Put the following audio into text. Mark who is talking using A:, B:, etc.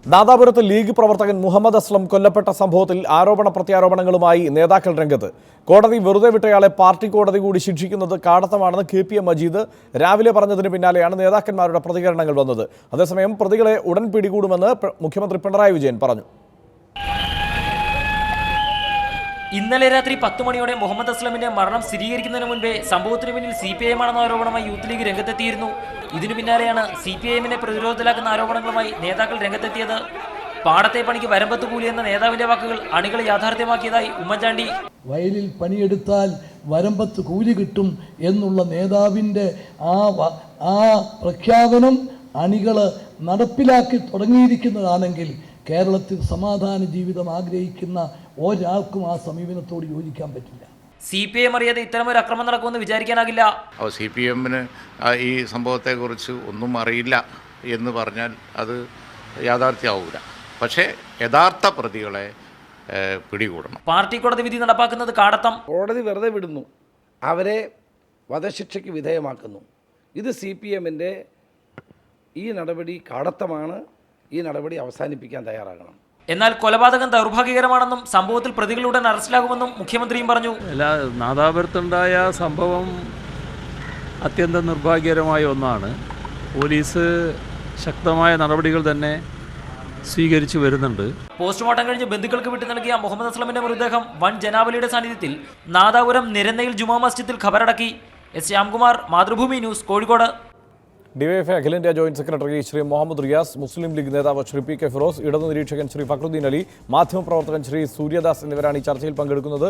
A: നാദാപുരത്ത് league പ്രവർത്തകൻ മുഹമ്മദ് അസ്ലം കൊല്ലപ്പെട്ട സംഭവത്തിൽ ആരോപണ പ്രത്യാരോപണങ്ങളുമായി നേതാക്കൾ രംഗത്ത്. കോടതി വെറുതെ വിട്ടയാളെ പാർട്ടി കോടതി കൂടി ശിക്ഷിക്കുന്നത് കാടത്തമാണെന്ന് KPM മജീദ് രാവിലെ പറഞ്ഞതിന് പിന്നാലെയാണ് നേതാക്കന്മാരുടെ പ്രതികരണങ്ങൾ വന്നത്. അതേസമയം പ്രതികളെ ഉടൻ പിടികൂടുമെന്ന് മുഖ്യമന്ത്രി പിണറായി വിജയൻ പറഞ്ഞു.
B: ഇന്നലെ രാത്രി 10 മണിയോടെ മുഹമ്മദ് അസ്ലമിന്റെ മരണം സ്ഥിരീകരിക്കുന്നതിന് മുൻപേ സംഭവത്തിന് പിന്നിൽ CPIM ആണെന്ന ആരോപണമായി യൂത്ത് ലീഗ് രംഗത്തെത്തിയിരുന്നു. ഇതിനു പിന്നാലെയാണ് CPIM-നെ പ്രതിരോധത്തിലാക്കുന്ന ആരോപണങ്ങളുമായി നേതാക്കൾ രംഗത്തെത്തിയത്. പാടത്തെ പണിക്ക് വരമ്പത്ത് കൂലി എന്ന നേതാവിന്റെ വാക്കുകൾ അണികൾ യാഥാർത്ഥ്യമാക്കിയതായി ഉമ്മൻചാണ്ടി.
C: വയലിൽ പണിയെടുത്താൽ വരമ്പത്ത് കൂലി കിട്ടും എന്നുള്ള നേതാവിൻ്റെ ആ പ്രഖ്യാപനം അണികൾ നടപ്പിലാക്കി തുടങ്ങിയിരിക്കുന്നതാണെങ്കിൽ കേരളത്തിൽ സമാധാന ജീവിതം ആഗ്രഹിക്കുന്ന ഒരാൾക്കും ആ സമീപനത്തോട് യോജിക്കാൻ പറ്റില്ല.
B: CPIM അറിയാതെ ഇത്തരമൊരു അക്രമം നടക്കുമെന്ന് വിചാരിക്കാനാകില്ല.
D: CPM-ന് ഈ സംഭവത്തെക്കുറിച്ച് ഒന്നും അറിയില്ല എന്ന് പറഞ്ഞാൽ അത് യാഥാർത്ഥ്യമാവില്ല. പക്ഷേ യഥാർത്ഥ പ്രതികളെ പിടികൂടണം.
B: പാർട്ടി കോടതി വിധി നടപ്പാക്കുന്നത് കാടത്തം.
E: കോടതി വെറുതെ വിടുന്നു, അവരെ വധശിക്ഷയ്ക്ക് വിധേയമാക്കുന്നു. ഇത് CPM-ൻ്റെ ഈ നടപടി കാടത്തമാണ്. ഈ നടപടി അവസാനിപ്പിക്കാൻ തയ്യാറാകണം.
B: എന്നാൽ കൊലപാതകം ദൗർഭാഗ്യകരമാണെന്നും സംഭവത്തിൽ പ്രതികളുടൻ അറസ്റ്റിലാകുമെന്നും മുഖ്യമന്ത്രിയും പറഞ്ഞു.
F: നാദാപുരത്തുണ്ടായ സംഭവം അത്യന്തം നിർഭാഗ്യകരമായ ഒന്നാണ്. പോലീസ് ശക്തമായ നടപടികൾ തന്നെ സ്വീകരിച്ചു വരുന്നുണ്ട്.
B: പോസ്റ്റ്മോർട്ടം കഴിഞ്ഞ് ബന്ധുക്കൾക്ക് വിട്ടു നൽകിയ മുഹമ്മദ് അസ്ലമിന്റെ മൃതദേഹം വൻ ജനാവലിയുടെ സാന്നിധ്യത്തിൽ നാദാപുരം നിരന്നയിൽ ജുമാ മസ്ജിദിൽ ഖബറടക്കി. S. Shyamkumar, Mathrubhumi news, Kozhikode.
A: DYFI അഖിലേന്ത്യാ ജോയിന്റ് സെക്രട്ടറി ശ്രീ മുഹമ്മദ് റിയാസ്, മുസ്ലിം ലീഗ് നേതാവ് ശ്രീ PK ഫിറോസ്, ഇടതു നിരീക്ഷകൻ ശ്രീ ഫക്രുദ്ദീൻ അലി, മാധ്യമപ്രവർത്തകൻ ശ്രീ സൂര്യദാസ് എന്നിവരാണ് ഈ ചർച്ചയിൽ പങ്കെടുക്കുന്നത്.